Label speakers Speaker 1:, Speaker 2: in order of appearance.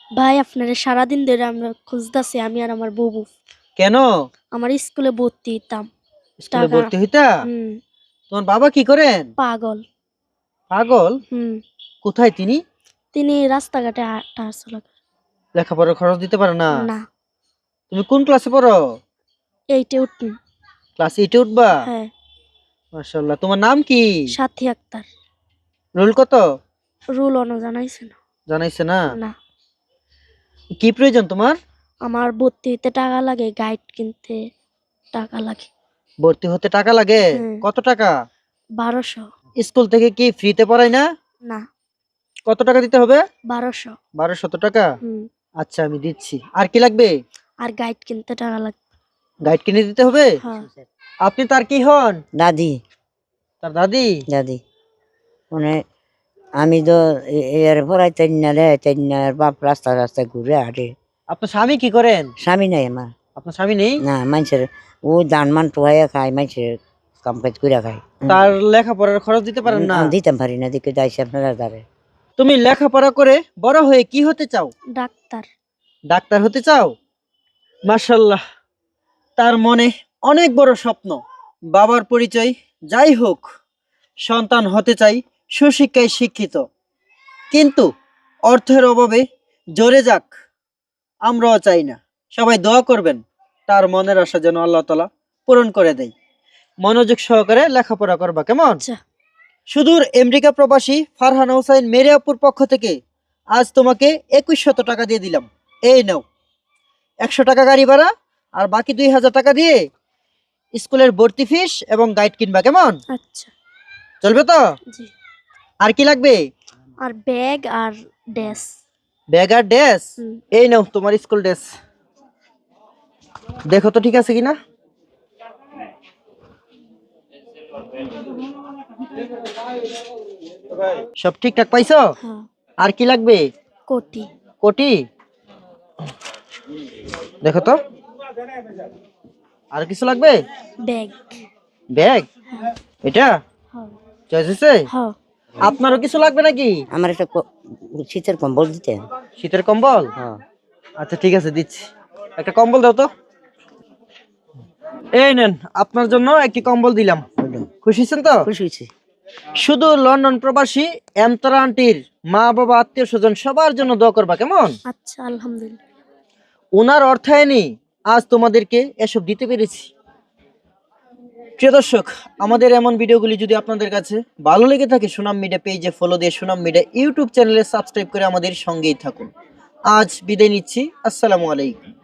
Speaker 1: ভাই আপনারে সারাদিন ধরে আমরা খুঁজতাছি, আমি আর আমার বউ।
Speaker 2: কেন?
Speaker 1: আমার স্কুলে ভর্তি হইতাম।
Speaker 2: স্কুলে
Speaker 1: টাকা।
Speaker 2: ভর্তি হইতা?
Speaker 1: হুম।
Speaker 2: তোমার বাবা কি করেন?
Speaker 1: পাগল।
Speaker 2: পাগল?
Speaker 1: হুম।
Speaker 2: কোথায় তিনি?
Speaker 1: তিনি রাস্তাঘাটে হাঁটাচলা করে।
Speaker 2: লেখাপড়ার খরচ দিতে পারে না?
Speaker 1: না।
Speaker 2: তুমি কোন ক্লাসে পড়ো?
Speaker 1: 8 এ উঠুন।
Speaker 2: ক্লাস 8 এ উঠবা?
Speaker 1: হ্যাঁ।
Speaker 2: মাশাআল্লাহ। তোমার নাম কি?
Speaker 1: সাথী আক্তার।
Speaker 2: রোল কত?
Speaker 1: রুল অন জানাইছে না।
Speaker 2: জানাইছে না?
Speaker 1: না।
Speaker 2: কি প্রয়োজন তোমার?
Speaker 1: আমার ভর্তি হইতে টাকা লাগে, গাইড কিনতে টাকা লাগে।
Speaker 2: ভর্তি হতে টাকা লাগে?
Speaker 1: হুম।
Speaker 2: কত টাকা?
Speaker 1: 1200।
Speaker 2: স্কুল থেকে কি ফ্রিতে পড়ায় না?
Speaker 1: না।
Speaker 2: কত টাকা দিতে হবে?
Speaker 1: 1200।
Speaker 2: 1200 টাকা?
Speaker 1: হুম।
Speaker 2: আচ্ছা আমি দিচ্ছি। আর কি লাগবে?
Speaker 1: আর গাইড কিনতে টাকা লাগে।
Speaker 2: গাইড কিনে দিতে হবে?
Speaker 1: হ্যাঁ।
Speaker 2: আপনি তার কি হন?
Speaker 3: দাদি।
Speaker 2: তার দাদি?
Speaker 3: দাদি মানে আমি তো এর পড়াই তেনার বাপ রাস্তা রাস্তায় ঘুরে হাঁটে।
Speaker 2: আপনার স্বামী কি করেন?
Speaker 3: স্বামী নাই আমার।
Speaker 2: আপনার স্বামী নেই?
Speaker 3: না, মানুষের ও ধান মান টোয়াইয়া খায়, মানুষের কাম কাজ করে খায়।
Speaker 2: তার লেখাপড়ার খরচ দিতে পারেন না?
Speaker 3: দিতাম পারি না, দিকে যাইছে আপনারা দ্বারে।
Speaker 2: তুমি লেখাপড়া করে বড় হয়ে কি হতে চাও?
Speaker 1: ডাক্তার।
Speaker 2: ডাক্তার হতে চাও? মাশাআল্লাহ, তার মনে অনেক বড় স্বপ্ন। বাবার পরিচয় যাই হোক, সন্তান হতে চাই সুশিক্ষায় শিক্ষিত, কিন্তু অর্থের অভাবে জোরে যাক আমরাও চাই না। সবাই দোয়া করবেন তার মনের আশা যেন আল্লাহ তাআলা পূরণ করে দেয়। মনোযোগ সহকারে লেখাপড়া করবা, কেমন?
Speaker 1: আচ্ছা।
Speaker 2: সুদূর আমেরিকা প্রবাসী ফারহানা হোসেন মেরিয়াপুর পক্ষ থেকে আজ তোমাকে 2100 টাকা দিয়ে দিলাম। এই নাও 100 টাকা গাড়ি ভাড়া, আর বাকি 2000 টাকা দিয়ে স্কুলের ভর্তি ফিস এবং গাইড কিনবা, কেমন?
Speaker 1: আচ্ছা।
Speaker 2: চলবে তো?
Speaker 1: জি।
Speaker 2: আর কি লাগবে?
Speaker 1: আর ব্যাগ আর ড্রেস।
Speaker 2: ব্যাগ আর ড্রেস?
Speaker 1: হুম।
Speaker 2: এই নাও তোমার স্কুল ড্রেস, দেখো তো ঠিক আছে কিনা। সব ঠিকঠাক পাইছো?
Speaker 1: হ্যাঁ।
Speaker 2: আর কি লাগবে?
Speaker 1: কোটি।
Speaker 2: কোটি? দেখো তো, আর কিছু লাগবে?
Speaker 1: ব্যাগ।
Speaker 2: ব্যাগ? এটা
Speaker 1: হ্যাঁ।
Speaker 2: চয়েস হয়েছে?
Speaker 1: হ্যাঁ।
Speaker 2: আপনারও কিছু লাগবে নাকি?
Speaker 3: আমার একটা শীতের কম্বল দিতে।
Speaker 2: শীতের কম্বল?
Speaker 3: হ্যাঁ।
Speaker 2: আচ্ছা ঠিক আছে, দিচ্ছি। একটা কম্বল দাও তো। এই নেন, আপনার জন্য একটি কম্বল দিলাম। খুশি হয়েছেন তো?
Speaker 3: খুশি হয়েছি।
Speaker 2: শুধু লন্ডন প্রবাসী এমতারা আন্টির মা বাবা আত্মীয় স্বজন সবার জন্য দোয়া করবা, কেমন?
Speaker 1: আচ্ছা, আলহামদুলিল্লাহ।
Speaker 2: ওনার অর্থায়নে আজ তোমাদেরকে এসব দিতে পেরেছি। প্রিয় দর্শক, আমাদের এমন ভিডিওগুলি যদি আপনাদের কাছে ভালো লেগে থাকে, সুনাম মিডিয়া পেজে ফলো দিয়ে সুনাম মিডিয়া ইউটিউব চ্যানেলে সাবস্ক্রাইব করে আমাদের সঙ্গেই থাকুন। আজ বিদায় নিচ্ছি। আসসালামু আলাইকুম।